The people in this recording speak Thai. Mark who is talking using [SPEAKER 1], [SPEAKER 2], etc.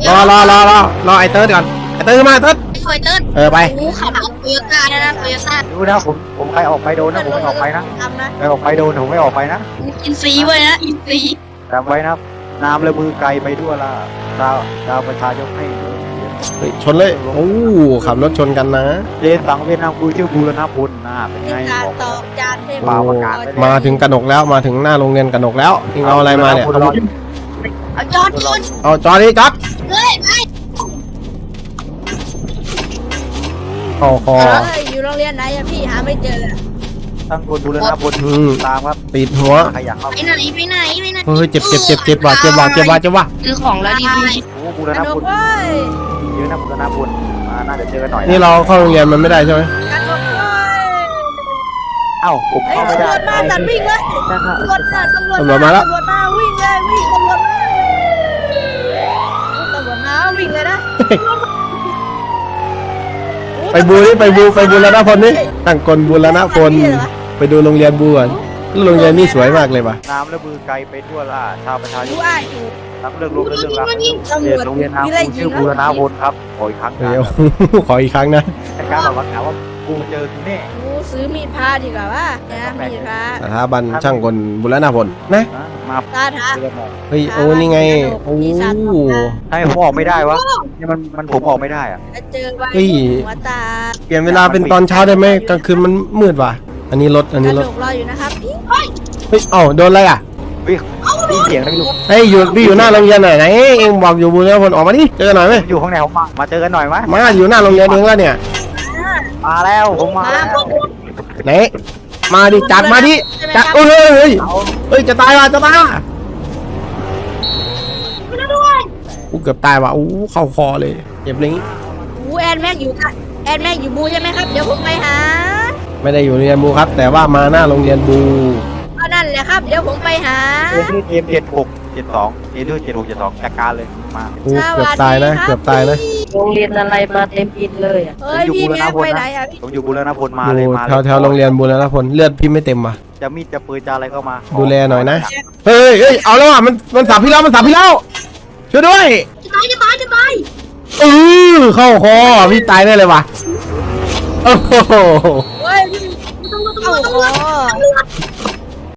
[SPEAKER 1] รอไอเติร์ดก่อนไอเติร์ดมาเติร์ด
[SPEAKER 2] ไฟเติร์ด
[SPEAKER 1] ไป
[SPEAKER 2] กูขับรถโตโยต้านะโตโยต้า
[SPEAKER 3] ดูนะผมใครออกไปโดนนะผมไม่ออกไปนะ
[SPEAKER 4] ทำนะ
[SPEAKER 3] ใครออกไปโดนผมไม่ออกไปนะ
[SPEAKER 2] อินซีไว้นะอินซี
[SPEAKER 3] จำไว้นะน้ำและมือไกลไปด้วยล่ะดาวประชายกให้
[SPEAKER 1] ชนเลยโอ้ขับรถชนกันนะ
[SPEAKER 3] เจสังเวียดนามกูชื่อบูรณพลนะเป็นไง
[SPEAKER 4] การ
[SPEAKER 3] บอก
[SPEAKER 4] ตอกจานเทพ
[SPEAKER 3] ป่าประกาศได้เลย
[SPEAKER 1] มาถึงกระหนกแล้วมาถึงหน้าโรงเรียนกระหนกแล้วนี่เอาอะไรมาเนี่ย
[SPEAKER 2] เอาจอด
[SPEAKER 1] เอาจอดดิจอด
[SPEAKER 2] เลยไป
[SPEAKER 1] เข้าคอ
[SPEAKER 4] อยู่โรงเรียนไหนอะพี่หาไม่เจอเลย
[SPEAKER 3] ตั้งคนบูรณพลตามครับ
[SPEAKER 1] ติดหัว
[SPEAKER 3] ขยันครับ
[SPEAKER 2] ไปไหนไปไหนไปไหน
[SPEAKER 1] เฮ้ยเจ็บว่ะ
[SPEAKER 2] ซื้อของแล้วดีพี่
[SPEAKER 3] โอ้บูร
[SPEAKER 4] ก
[SPEAKER 3] ณ
[SPEAKER 4] ระด
[SPEAKER 3] พ
[SPEAKER 4] ก
[SPEAKER 3] ล
[SPEAKER 4] เว้ย
[SPEAKER 3] เยอะนะบูรณพลน่าจะเจอกันหน่อย
[SPEAKER 1] นี่เราเข้าโรงเรียนมันไม่ได้ใช่ไหม
[SPEAKER 4] กระดกเว้ย
[SPEAKER 3] เอ้าผม
[SPEAKER 4] ไอ้
[SPEAKER 3] เข้าไม่
[SPEAKER 4] ตำร
[SPEAKER 3] ได้
[SPEAKER 4] วจมาตัดวิ่งเลยตำรวจมาตำรวจมาวิ่งเลยวิ่งตำรวจมาวิ่งเลยนะ
[SPEAKER 1] ไปบูรณพลนี่ตั้งกลบูรณพลไปดูโรงเรียนบูก่อนโรงเรียนนี่สวยมากเลยว่ะ
[SPEAKER 3] น้ำและมือไกลไปทั่วล่ะชาวประชาช
[SPEAKER 4] ดู
[SPEAKER 3] น
[SPEAKER 4] อ้ายอยู่
[SPEAKER 3] ทั้งเรื่องลูกและเรื่องรัก
[SPEAKER 4] ตำร
[SPEAKER 3] เรียน
[SPEAKER 4] วจ
[SPEAKER 3] โรงเรียนน้ำ
[SPEAKER 4] มีอะไร
[SPEAKER 3] กู
[SPEAKER 4] ยิ
[SPEAKER 3] ชื่
[SPEAKER 4] ง
[SPEAKER 3] อบูรณพลครับขออีกครั้ง
[SPEAKER 1] เดี๋ยว ขออีกครั้งนะ
[SPEAKER 3] แต่การบอกว่าถามว่ากูเจอแน่
[SPEAKER 4] กูซื้อมีดพาดีกว่าว่านะมีดพา
[SPEAKER 1] สถาบันช่างกลบุรณพลนะ
[SPEAKER 3] มา
[SPEAKER 4] ตาถา
[SPEAKER 3] เจอหมอ
[SPEAKER 1] เฮ้ยโอ้นี่ไงโอ้
[SPEAKER 3] ให้ผมออกไม่ได้วะนี่มันผมออกไม่ได้อะ
[SPEAKER 4] เจอไว้หัวตา
[SPEAKER 1] เปลี่ยนเวลาเป็นตอนเช้าได้ไหมกลางคืนมันมืดว่ะอันนี้รถ
[SPEAKER 4] กระดกรออยู่นะครับพี่
[SPEAKER 1] เฮ้ยเอ้าโดนอะไรอ่ะ
[SPEAKER 3] วิ่งได้เสียงนะพี่ลูก
[SPEAKER 1] เฮ้ยอยู่หน้าโรงเรียนไหนเองบอกอยู่บุรณพลออกมาดิเจอหน่อยไหม
[SPEAKER 3] อยู่ข้างในผมมาเจอกันหน่อยไหม
[SPEAKER 1] มาอยู่หน้าโรงเรียนเองแล้วเนี่ย
[SPEAKER 3] มาแล้วผมมาแล้ว
[SPEAKER 1] ไหนมาดิจัดมาดิจัดเฮ้ยจะตายว่ะอู้เกือบตายว่ะอู้เข้าคอเลยเจ็บเลย
[SPEAKER 4] แอนแม็กอยู่แอนแม็กอยู่บูใช่ไหมครับเดี๋ยวผมไปหา
[SPEAKER 1] ไม่ได้อยู่โรงเรียนบูครับ แต่ว่ามาหน้าโรงเรียนบู
[SPEAKER 4] ก็นั่นแหละครับเดี๋ยวผมไปหา
[SPEAKER 3] เกม7672เอด้วย7672จัดการเลยมา
[SPEAKER 1] อู้เกือบตายนะ
[SPEAKER 5] โรงเรียนอะไรมาเต็มอินเลยอ่ะ
[SPEAKER 4] เฮ้ยพี่แม็กไปไหนอะพี่
[SPEAKER 3] ผมอยู่บูรณพลมา
[SPEAKER 1] อ
[SPEAKER 3] เลย
[SPEAKER 1] ยู่
[SPEAKER 3] มา
[SPEAKER 1] แถวโรงเรียนบูรณพลเลือดพี่ไม่เต็มว่ะ
[SPEAKER 3] จะมีดจะปืนจะอะไรเข้ามา
[SPEAKER 1] ดูแลหน่อยนะ เฮ้ยเอาแล้วอ่ะมันสับพี่แล้วช่วยด้วย
[SPEAKER 2] จะตาย
[SPEAKER 1] เข้าคอพี่ตายได้เลยว่ะโอ้โห
[SPEAKER 4] เฮ้ยพี่เอาคอ